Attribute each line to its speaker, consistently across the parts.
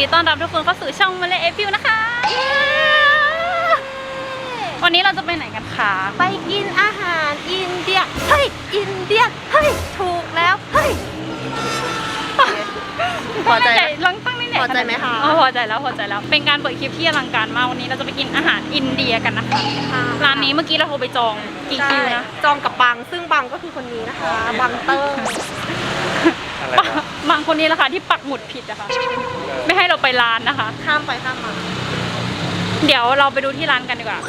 Speaker 1: ดีต้อนรับทุกคนเข้าสู่ช่องมาเลเอฟิวนะคะวันนี้เราจะไปไหนกันคะไปกินอาหารอินเดียเฮ้ยอินเดียเฮ้ยถูกแล้วเฮ้ยพอใจลังตั้งนี่เนี่ยพอใจไหมคะพอใจแล้วเป็นการเปิดคลิปที่อลังการมากวันนี้เราจะไปกินอาหารอินเดียกันนะคะร้านนี้เมื่อกี้เราโทรไปจองกี่คิวนะ
Speaker 2: จองกับบังซึ่งบังก็คือคนนี้นะคะบังเตอร์
Speaker 1: บางคนนี้แหละค่ะที่ปักหมุดผิดนะคะไม่ให้เราไปร้านนะคะ
Speaker 2: ข้ามไปข้ามมา
Speaker 1: เดี๋ยวเราไปดูที่ร้านกันดีกว่า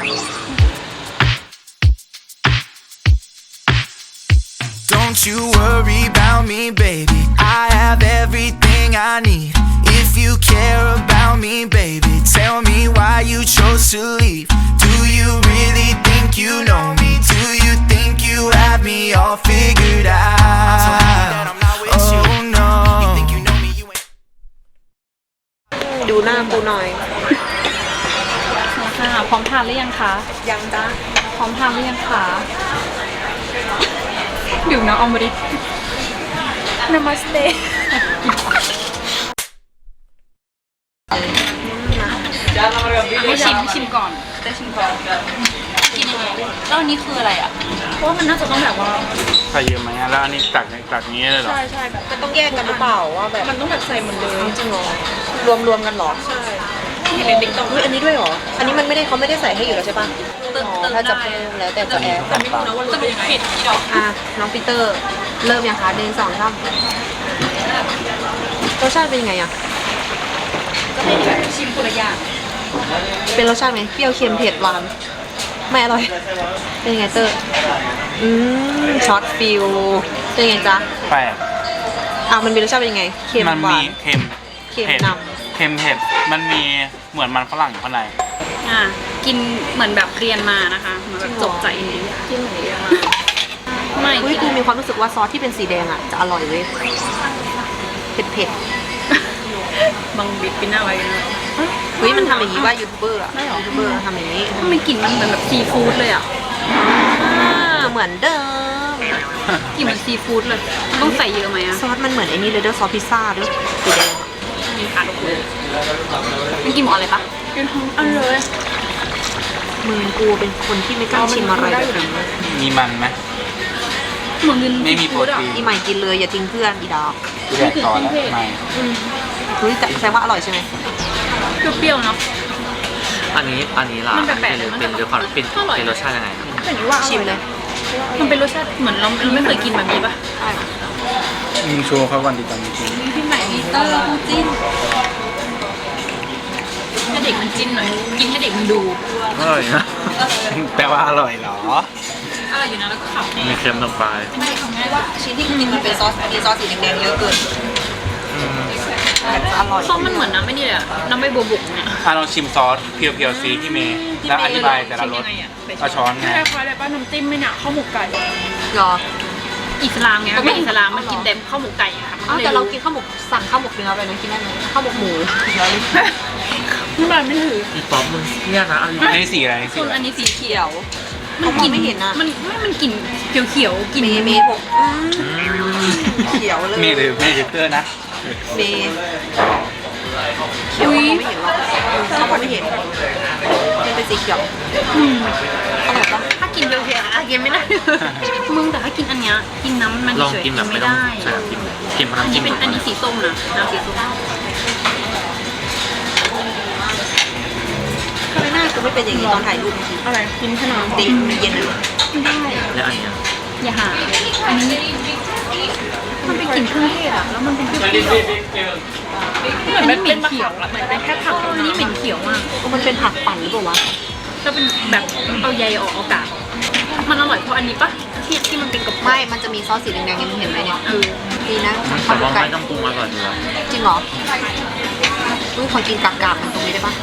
Speaker 3: Don't you worry about me, baby. I have everything I need. If you care about me, baby, tell me why you chose to leave. Do you really think you know me? Do you think you have me all figured out? Oh no.
Speaker 2: ดูหน้ากูหน่อย
Speaker 1: ค่ะพร้อมทานหรือยังคะ
Speaker 2: ยังจ้า
Speaker 1: พร้อมทานหรือยังคะดื่มน้ำอมฤตนามัสเตให้ชิมก่อนได้ชิมก่อนกินยังไงแล้วอันนี้คืออะไรอ่ะเพราะว่ามันน่าจะต้องแบบว่า
Speaker 4: ใส่เยอะไหมแล้วอันนี้ตักนี้เลยเหรอ
Speaker 2: ใช่แบบมันต้องแยกกันหรือเปล่าว่าแบบ
Speaker 1: มันต้องแบบใส่เหมือนเดิม
Speaker 2: จริงเหรอรวมกันหรอใช่เห็นเด็กๆต้องอันนี้ด้วยหรออันนี้มันไม่ได้เขาไม่ได้ใส่ให้อยู่แล้วใช่ป่ะถ้าจะเพิ่มแล้วแต่จะแอร์
Speaker 1: แต่ไม่รู้นะว่ารสเป็นยังไงที่ดอก
Speaker 2: น้องปีเตอร์เริ่มยังคะ1 2 3รสชาติเป็นยังไงอ่ะ
Speaker 1: ก็เป็นแบบชิมคนละอย่าง
Speaker 2: เป็นรสชาติไหมเปรี้ยวเค็มเผ็ดหวานไม่อร่อยเป็นยังไงเตอร์ช็อตฟิลเป็นยังไงจ๊ะ
Speaker 4: แปลก
Speaker 2: มันมีรสชาติเป็นยังไงเค็มหวาน
Speaker 4: เค็ม
Speaker 2: นำ
Speaker 4: เค็มเผ็ดมันมีเหมือนมันฝรั่งข้างใน
Speaker 1: กินเหมือนแบบเรียนมานะคะเหมือนแบบจบจากอินเดีย
Speaker 2: กินเหมือนเรียนมาไม่กูมีความรู้สึกว่าซอสที่เป็นสีแดงอ่ะจะอร่อยเลยเผ็ด
Speaker 1: บางบิ๊กปิ้นหน้าไว้นะ
Speaker 2: มันทำอย่างนี้ว่ายูทูบเบอร์ทำอย่างนี้
Speaker 1: มันกลิ่นมันเหมือนแบบซีฟู้ดเลยอ่ะ
Speaker 2: เหมือนเดิม
Speaker 1: กลิ่นเหมือนซีฟู้ดเลยต้องใส่เยอะไหมอะ
Speaker 2: ซอสมันเหมือนไอ้นี่เลยซอสพิซซ่าด้วยสีแดง
Speaker 1: มีขาดเลยมันกินหมดอะไรปะกินทั้งอันเลย
Speaker 2: มึงกูเป็นคนที่ไม่กล้าชิมอะไรแบบนี้
Speaker 4: มีมันไหม
Speaker 1: เหมือน
Speaker 4: ไม่มีโปรตีน
Speaker 2: อีใหม่กินเลยอย่าทิ้งเพื่อนอีดอก
Speaker 4: แยกต่อแล้วไม่
Speaker 2: แต่แสดงว่าอร่อยใช่ไหม
Speaker 1: เปรี้ยวๆเนาะ
Speaker 5: อันนี้ล่ะเป็นรสชาติเป็นรสชาติยังไง
Speaker 2: ชิมเลย
Speaker 1: มันเป็นรสชาติเหมือนเราไม่เคยกินแบบนี้ปะ
Speaker 4: มึงโชว์เขาวันดีตอนนี้กิน
Speaker 1: พี่ใหม่มีเตอร์จิ้นให้เด็กมันจิ้นหน่อยกินให้เด็กมันดู
Speaker 4: อร่อยนะแปลว่าอร่อยเหรอ
Speaker 1: อร่อยอยู่นะแล้วก็ขับ
Speaker 5: มีเค็มลงไป
Speaker 2: ไม่ทำง่ายว่าชิ้นที่กินมันเป็นซอสมีซอสสีแดงๆเยอะเกินอร่อย
Speaker 1: ซอสมันเหมือนน้ำไม่นี่เลยน้ำไม่บัวบุกเนี่ย
Speaker 4: ลองชิมซอสเพียวๆซีที่เมย์แล้วอธิบายแต่ละรสเอาช้อนไง
Speaker 1: คล้ายๆอะไรป้าน้ำจิ้มไม่เนี่ยข้าวหมกไก่
Speaker 2: หรอ
Speaker 1: อิสลามไงไม่อิสลามมันกินเต็มข้าวหมกไก่อะค่ะ
Speaker 2: แต่เรากินข้าวหมกสั่งข้าวหมกเนื้อไปนะกินได้ไหมข้าวหมกหมู
Speaker 1: ไม่ได้ไม่ถือ
Speaker 5: อีป๊อปมึงเนี่ยนะ
Speaker 4: อันนี้สีอะไร
Speaker 1: ส่วนอันนี้สีเขียว
Speaker 2: มันกินไม่เห็นนะ
Speaker 1: มันกลิ่นเขียวๆกลิ่น
Speaker 2: เมย์เขียวเลย
Speaker 4: เมย์หรือเมย์เตอร์นะ
Speaker 2: เมย์เขียวไม่เห็นหรอกเขาบอกไม่เห็นมันเป็นสีเขียวอร่อยปะ
Speaker 1: ถ้ากินเขียวๆกินไม่ได้มึงแต่ถ้ากินอันเนี้ยกินน้ำมันเฉยๆไม่ได้
Speaker 5: กินน้ำจิ้ม
Speaker 1: เป็นอันนี้สีส้มนะน้ำสีส้ม
Speaker 2: ทำไมหน้ากูไม่เป็นอย่างนี้ตอนถ่ายรูป
Speaker 1: อะไรกินขนม
Speaker 2: ตีมันเย็นเลย
Speaker 1: ไม่ได้
Speaker 5: แล้วอันนี้
Speaker 1: อย่าหาอันนี้มันเป็นกลิ่นเครื่องเทศอะแล้วมันเป็นเปรี้ยวเหมือนเป็นเขียวอะเหมือนเป็นแค่ผักอันนี้เหม็นเขียวมาก
Speaker 2: มันเป็นผักปั่นหรือเปล่าวะ
Speaker 1: แล้วเป็นแบบเอาใยออกกากมันอร่อยเพราะอันนี้ปะที่มันเป็นกับ
Speaker 2: ไม่มันจะมีซอสสีแดงๆยังเห็นไหมเนี่ยดีนะ
Speaker 5: แต่ว่าไม่ต้องปรุงอร่อยเลย
Speaker 2: จริงเหรอขอกินกากๆมันตรงนี้ได้ปะ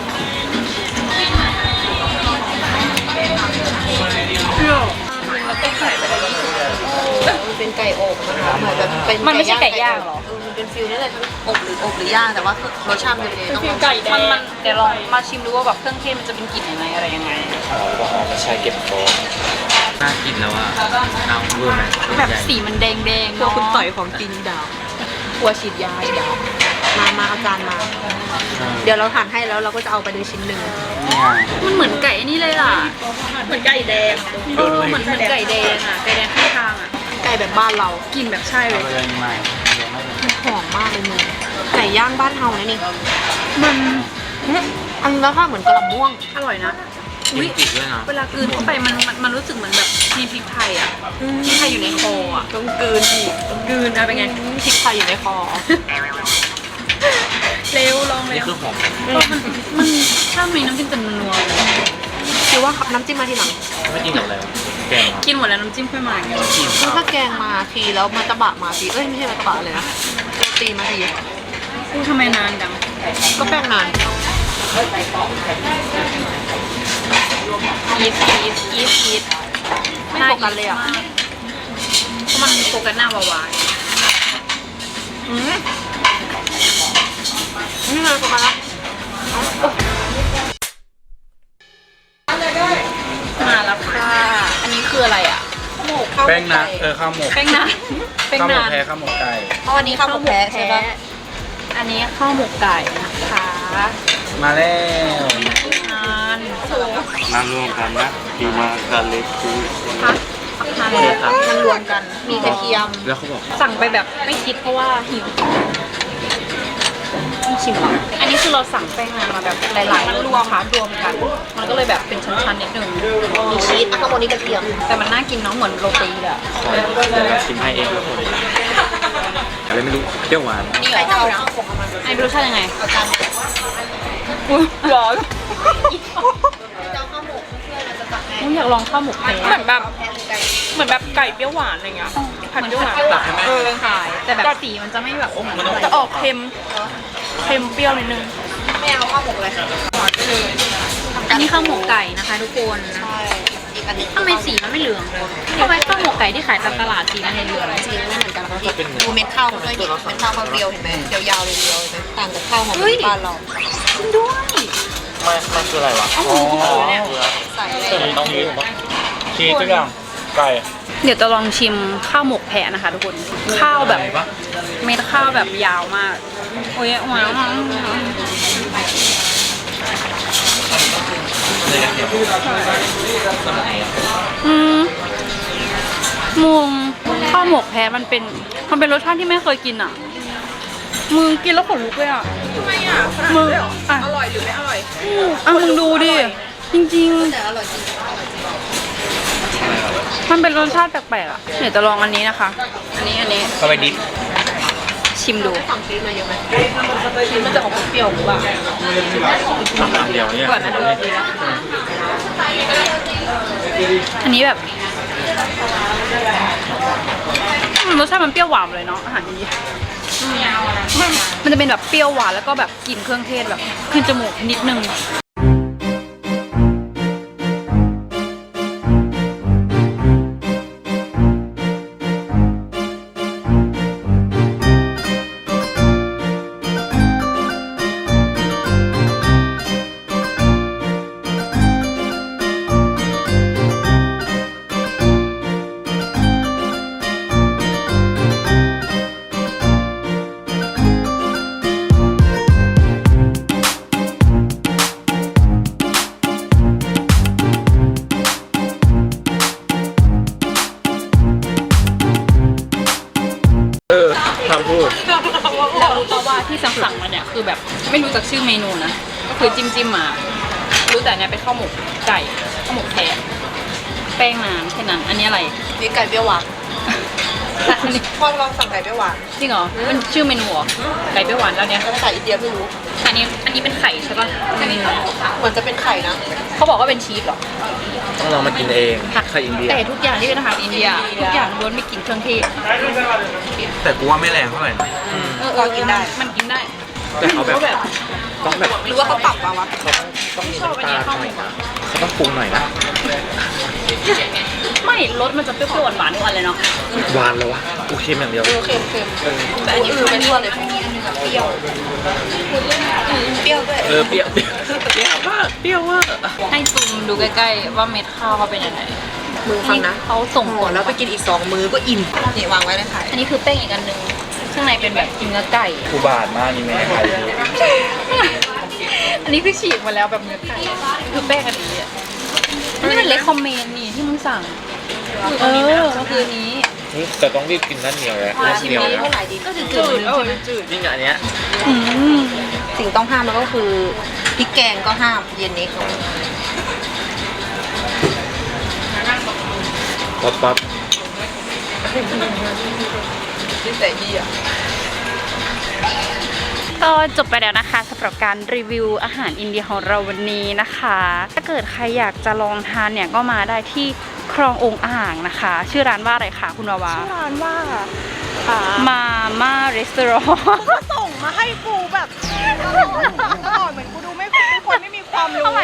Speaker 2: มันเป็นไก่อบนะคะเหมือนแบบเป็น
Speaker 1: มันไม่ใช่ไก่ย่างหรอ
Speaker 2: มันเป็นฟิลนี่แหละอบหรือย่างแต่ว่ารสชาติมันจะ
Speaker 1: ต้องไก่แดงมันเดี๋ยวลองมาชิมดูว่าแบบเครื่องเทศมันจะเป็นกลิ่นยังไงอะไรยังไง
Speaker 4: บอกไม่ใช่เก็บโฟ
Speaker 5: น่ากินแล้วอ่ะน้ำเวอร์ไหม
Speaker 1: แบบสีมันแดง
Speaker 2: ตัวคุณต่อยของจริงดาว
Speaker 1: กลัวฉีดยาดาว
Speaker 2: มาเอาจานมา เดี๋ยวเราหั่นให้แล้วเราก็จะเอาไปเลยชิ้นหนึ่ง
Speaker 1: มันเหมือนไก่นี่เลยล่ะเหมือนไก่แดงเหมือนไก่แดงอ่ะไก่แดงข้างทางอ่ะ
Speaker 2: ไก่แบบบ้านเรา
Speaker 1: กินแบบใช่เล
Speaker 4: เอา
Speaker 1: ย
Speaker 4: ไปเลยใหม่
Speaker 2: มันหอมมากเลยมึงไก่ย่างบ้านเฮานะนี่
Speaker 1: มัน
Speaker 2: อันนี้รสชาติเหมือนกระหล่ำม่วง
Speaker 1: อร่อยนะ
Speaker 5: กินติดด้วยนะ
Speaker 1: เวลากลืนเข้าไปมันรู้สึกเหมือนแบบมีพริกไทยอ่ะพริกไทยอยู่ในคออ่ะ
Speaker 2: ต้องกลืนอีก
Speaker 1: กลืนอะเป็นไง
Speaker 2: พริกไทยอยู่ในคอ
Speaker 1: เร็วลองเร็
Speaker 5: นี่
Speaker 1: ว
Speaker 5: คือหอม
Speaker 1: มันถ้ามีน้ำจิ้มจะนัว
Speaker 2: คิดว่าน้ำจิ้มมาทีหลัง
Speaker 5: ไม่กินกับอะไรวะแกง
Speaker 1: กินหมดแล้วน้ำจิ้มค่อยมาอย่างเงี้ย
Speaker 5: กินค
Speaker 2: คือ
Speaker 5: รับ
Speaker 2: ถ้าแกงมาทีแล้วมาตะบะมาทีเอ้ยไม่ใช่มาตะบะเลยนะโรตีมาที
Speaker 1: กูทำไมนานจัง
Speaker 2: ก็แป้งนาน
Speaker 1: อีฟ
Speaker 2: ไม่โฟกัสเลยอ่ะ
Speaker 1: เพราะมันโฟกัสหน้าวาวาย
Speaker 2: นี่เลยโฟกัสละ
Speaker 1: มาแล้วค่ะ อันนี้คืออะไรอ่ะ
Speaker 4: แป้งนะข้าวหมก
Speaker 1: แป้งนานแป้ง
Speaker 4: ข้าวหม
Speaker 1: นาก น
Speaker 4: แพ้ข้าวหมกไก่
Speaker 2: เพราะวันนี้ข้าวหมกแพ้ใช่ปะ
Speaker 1: อันนี้ข้าวหมกไก่นะคะ
Speaker 4: มาแล้ว
Speaker 1: นาน
Speaker 4: มารวมกันนะดีมากกันเล็กคือ
Speaker 1: พักทาน
Speaker 5: โอเคครับ
Speaker 2: มันรวมกันมีกระเทียม
Speaker 5: แล้วเขาบอก
Speaker 1: สั่งไปแบบไม่คิดเพราะว่าหิวต้องชิมเหรออันนี้คือเราสั่งแป้งนานมาแบบหลายๆมันรวมกัน มันก็เลยแบบเป็นชั้นๆนิดนึง
Speaker 2: มีชีสข้างบนนี้กระเทียม
Speaker 1: แต่มันน่ากินเนาะเหมือนโรตีเลยอะ
Speaker 5: ขอชิมให้เองครับผมอะไรไม่รู้เปรี้ยวหวาน
Speaker 2: นี่ใครจะเอาข้าวหมกมา
Speaker 1: ไอ้รสชาติยังไง
Speaker 2: เอาจาน
Speaker 1: อุ้ยร้อน
Speaker 2: เจ้าข้าวหมกเพื่อนเราจะตักให้
Speaker 1: อยากลองข้าวหมกแพ้
Speaker 6: เหมือนแบบ
Speaker 2: แพ้หรือไก่
Speaker 6: เหมือนแบบไก่เปรี้ยวหวานอะไรเงี้ยผัดเปรี้ยวหวาน
Speaker 1: ขายแต่แบบสีมันจะไม่แบบ
Speaker 6: จะออกเค็มเปรี้ยวนิดนึง
Speaker 2: ไม่เอาข้าวหมกเลย
Speaker 1: อันนี้ข้าวหมกไก่นะคะทุกคน
Speaker 2: ใช่อีกอันหนึง
Speaker 1: ทำไมสีมันไม่เหลืองเลยทำไมข้าวหมกไก่ที่ขายตามตลาดสีมันเหลือง
Speaker 2: จริงไม่เหมือนกันนะพี่ดูเม็ดข้าวมันด้วยดิเม็ดข้าวเขาเรียวเห็นไหมยาวๆเลยเรียวเห็นไหมต่างจากข้าวหอมมะลิบ้านเรา
Speaker 1: จริงด้วย
Speaker 5: มันคืออะไรวะ
Speaker 1: อ๋อ
Speaker 2: ใส่เลย
Speaker 5: ต้องมี
Speaker 4: ชีสทุกอย่างไก่
Speaker 1: เดี๋ยวจะลองชิมข้าวหมกแพะนะคะทุกคน ข้าวแบบเม็ดข้าวแบบยาวมาก โอ้ยว้าวมึงข้าวหมกแพะมันเป็นรสชาติที่ไม่เคยกินอ่ะ มึงกินแล้วขนลุกเลยอ่ะ
Speaker 6: ทำไมอ่ะ
Speaker 1: มึงอ่ะ
Speaker 6: อร่อยหรือไม่อร่อย
Speaker 1: อ่ะมึงดูดิ จริง
Speaker 2: แต่อร่อยจริง
Speaker 1: ๆ มันเป็นรสชาติแปลกๆอ่ะ เดี๋ยวจะลองอันนี้นะคะ อันนี้
Speaker 4: เข้าไปดิบ
Speaker 1: ชิมดู
Speaker 2: ฝั่งชีสมาเยอะไหมชีสมันจะออกเปรี้ยวหรือเปล่า
Speaker 5: เดี๋ยวเนี่ย
Speaker 1: ก่อนนะอันนี้แบบรสชาติมันเปรี้ยวหวานเลยเนาะอาหารอินเดียมันจะเป็นแบบเปรี้ยวหวานแล้วก็แบบกลิ่นเครื่องเทศแบบขึ้นจมูกนิดนึง
Speaker 5: ทำพูด
Speaker 1: เรารู้ตัวว่าที่สั่งมาเนี่ยคือแบบไม่รู้จักชื่อเมนูนะก็คือจิ้มมา รู้แต่เนี่ยเป็นข้าวหมกไก่ข้าวหมกแพะแป้งนานแค่นั้นอันนี้อะไร
Speaker 2: นี่ไก่เปรี้ยวหวาน
Speaker 1: อันนี้
Speaker 2: พ่อลองสั่งไก่เปรี้ยวหวาน
Speaker 1: จริงเหรอมันชื่อเมนูเหรอไก่เปรี้ยวหวานแล้วเนี่ย
Speaker 2: ภาษาอินเดียไม่รู้
Speaker 1: อันนี้เป็นไข่ใช่ปะอันนี้
Speaker 2: เหมือนจะเป็นไข่นะ
Speaker 1: เขาบอกว่าเป็นชีสเหรอ
Speaker 5: ต้องลองมากินเองไข่อินเดีย
Speaker 1: แต่ทุกอย่างที่เป็นอาหารอินเดียทุกอย่างล้วนไม่กลิ่นเครื่องเทศ
Speaker 4: แต่กูว่าไม่แรงเท่าไหร่นะ
Speaker 2: ก็กินได้
Speaker 1: มันกินได้
Speaker 5: แต่เขาแบบต้องแบบ
Speaker 2: หรือว่าเขาปรับมาวะ
Speaker 5: ต้องมีน้ำตาลหน่อยนะเขาต้องปรุงหน่อยนะ
Speaker 1: ไม่รสมันจะเปรี้ยวๆหวานๆทุกอันเลยเนาะ
Speaker 5: หวานแล้ววะกูเค็มอย่างเดียว
Speaker 2: เค็มๆแต่อันนี้คือไม่ทั่วเลยมีอันนึงแบบเปรี้ยวเปรี้ยวด้วย
Speaker 5: เปรี้ยวมากเปรี้ยวมาก
Speaker 1: ให้ซูมดูใกล้ๆว่าเม็ดข้าวเขาเป็นยังไง
Speaker 2: มือฟังนะ
Speaker 1: เขาส่งผ
Speaker 2: โอ้
Speaker 1: ล
Speaker 2: แล้วไปกินอีก2 มื้อก็อิ่มนี่วางไว้ในไข่
Speaker 1: อันนี้คือแป้งอีกอันหนึ่งข้างในเป็นแบบเนื้อไก่
Speaker 4: กูบาทมากนี่แม่ใครดู
Speaker 1: อันนี้คือฉีกมาแล้วแบบเนื้อไก่คือแป้งอันนี้อ่ะนี่มันเลคคอมเมนต์นี่ที่มึงสั่งก็คือนี้
Speaker 4: แต่ต้องรีบกินนั่นเหนียวเลยนั่นเหนียวนะ
Speaker 2: เท่าไหร่ดีก็จืด
Speaker 1: จืด
Speaker 5: ยิ่งอันเนี้ย
Speaker 2: สิ่งต้องห้ามแล้วก็คือพริกแกงก็ห้ามเย็นนี้
Speaker 4: ปั๊บ
Speaker 6: ก็จบไปแล้วนะคะสำหรับการรีวิวอาหารอินเดียของเราวันนี้นะคะ ถ้าเกิดใครอยากจะลองทานเนี่ยก็มาได้ที่คลององค์อ่างนะคะ ชื่อร้านว่าอะไรคะคุณวาวา
Speaker 7: ชื่อร้านว่า
Speaker 6: มาม่ารีสอร์ท
Speaker 7: ส่งมาให้กูแบบตลอดเหมือนกูดูไม่เป็นคนไม่มีความรู้
Speaker 6: เอาใหม่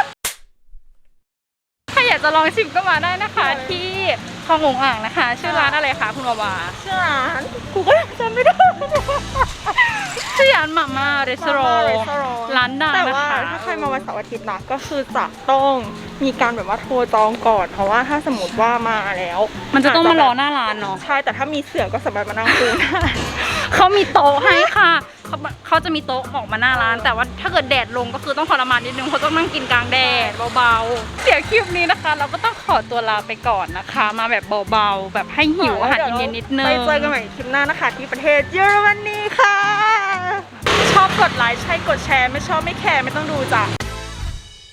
Speaker 6: ถ้าอยากจะลองชิมก็มาได้นะคะ ที่คลององค์อ่างนะคะ ชื่อร้านอะไรคะคุณวาวา
Speaker 7: ชื่อร้านกูก็จำไม่ได้
Speaker 6: ชื่อร้านมาม่ารีสอร์ทร้านดัง
Speaker 7: แต่
Speaker 6: นะ
Speaker 7: ว่า
Speaker 6: คะ
Speaker 7: ถ้าใครมาวันเสาร์อาทิตย์นะก็คือจะต้องมีการแบบว่าโทรจองก่อนเพราะว่าถ้าสมมติว่ามาแล้ว
Speaker 6: มันจะต้องมารอหน้าร้านเนาะ
Speaker 7: ใช่แต่ถ้ามีเสือก็สามารถมานั่งคุยได้
Speaker 6: เขามีโต๊ะให้ค่ะเขาจะมีโต๊ะออกมาหน้าร้าน แต่ว่าถ้าเกิดแดดลงก็คือต้องทรมานนิดนึงเพราะต้องนั่งกินกลางแดดเบาๆเดี๋ยวคลิปนี้นะคะ เราก็ต้องขอตัวลาไปก่อนนะคะ มาแบบเบาๆแบบให้หิวอาหารอินเดียนิดนึง
Speaker 7: ไปเจอกันใหม่คลิปหน้านะคะที่ประเทศเยอรมนีค่ะ ชอบกดไลค์ใช่กดแชร์ไม่ชอบไม่แคร์ไม่ต้องดูจ้ะ